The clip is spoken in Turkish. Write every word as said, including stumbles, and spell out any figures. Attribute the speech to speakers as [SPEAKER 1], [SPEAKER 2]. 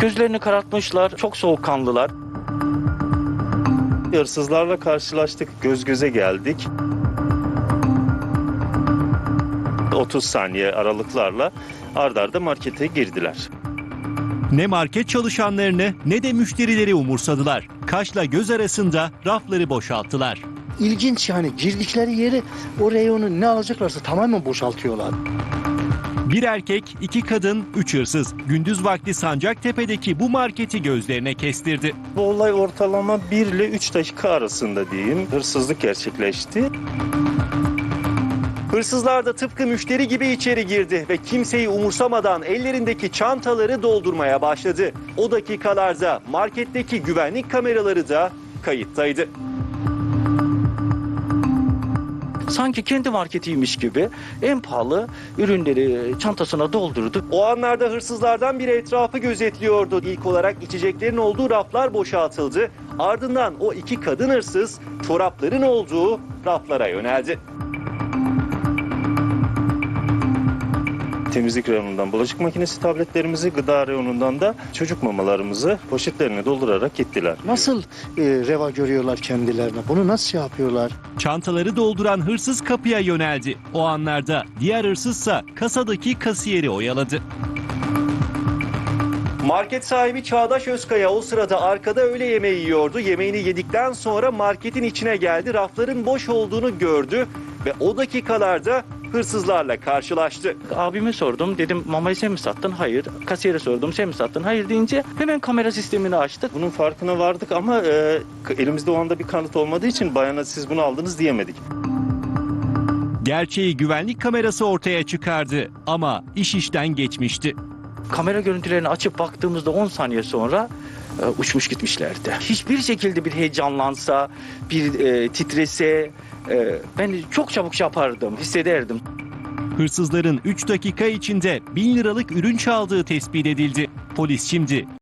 [SPEAKER 1] Gözlerini karartmışlar, çok soğukkanlılar.
[SPEAKER 2] Hırsızlarla karşılaştık, göz göze geldik. otuz saniye aralıklarla ard arda markete girdiler.
[SPEAKER 3] Ne market çalışanlarını ne de müşterileri umursadılar. Kaşla göz arasında rafları boşalttılar.
[SPEAKER 4] İlginç yani, girdikleri yeri, o reyonu ne alacaklarsa tamamen boşaltıyorlar.
[SPEAKER 3] Bir erkek, iki kadın, üç hırsız. Gündüz vakti Sancaktepe'deki bu marketi gözlerine kestirdi.
[SPEAKER 2] Bu olay ortalama bir ile üç dakika arasında diyeyim. Hırsızlık gerçekleşti.
[SPEAKER 5] Hırsızlar da tıpkı müşteri gibi içeri girdi ve kimseyi umursamadan ellerindeki çantaları doldurmaya başladı. O dakikalarda marketteki güvenlik kameraları da kayıttaydı.
[SPEAKER 1] Sanki kendi marketiymiş gibi en pahalı ürünleri çantasına doldurdu.
[SPEAKER 5] O anlarda hırsızlardan biri etrafı gözetliyordu. İlk olarak içeceklerin olduğu raflar boşaltıldı. Ardından o iki kadın hırsız çorapların olduğu raflara yöneldi.
[SPEAKER 2] Temizlik reyonundan bulaşık makinesi tabletlerimizi, gıda reyonundan da çocuk mamalarımızı poşetlerine doldurarak gittiler.
[SPEAKER 4] Nasıl e, reva görüyorlar kendilerine? Bunu nasıl şey yapıyorlar?
[SPEAKER 3] Çantaları dolduran hırsız kapıya yöneldi. O anlarda diğer hırsızsa kasadaki kasiyeri oyaladı.
[SPEAKER 5] Market sahibi Çağdaş Özkaya o sırada arkada öğle yemeği yiyordu. Yemeğini yedikten sonra marketin içine geldi. Rafların boş olduğunu gördü ve o dakikalarda hırsızlarla karşılaştı.
[SPEAKER 1] Abime sordum, dedim mamayı sen mi sattın? Hayır. Kasiyere sordum, sen mi sattın? Hayır deyince hemen kamera sistemini açtık.
[SPEAKER 2] Bunun farkına vardık ama e, elimizde o anda bir kanıt olmadığı için bayana siz bunu aldınız diyemedik.
[SPEAKER 3] Gerçeği güvenlik kamerası ortaya çıkardı ama iş işten geçmişti.
[SPEAKER 1] Kamera görüntülerini açıp baktığımızda on saniye sonra e, uçmuş gitmişlerdi. Hiçbir şekilde bir heyecanlansa, bir e, titrese e, ben çok çabuk şey yapardım, hissederdim.
[SPEAKER 3] Hırsızların üç dakika içinde bin liralık ürün çaldığı tespit edildi. Polis şimdi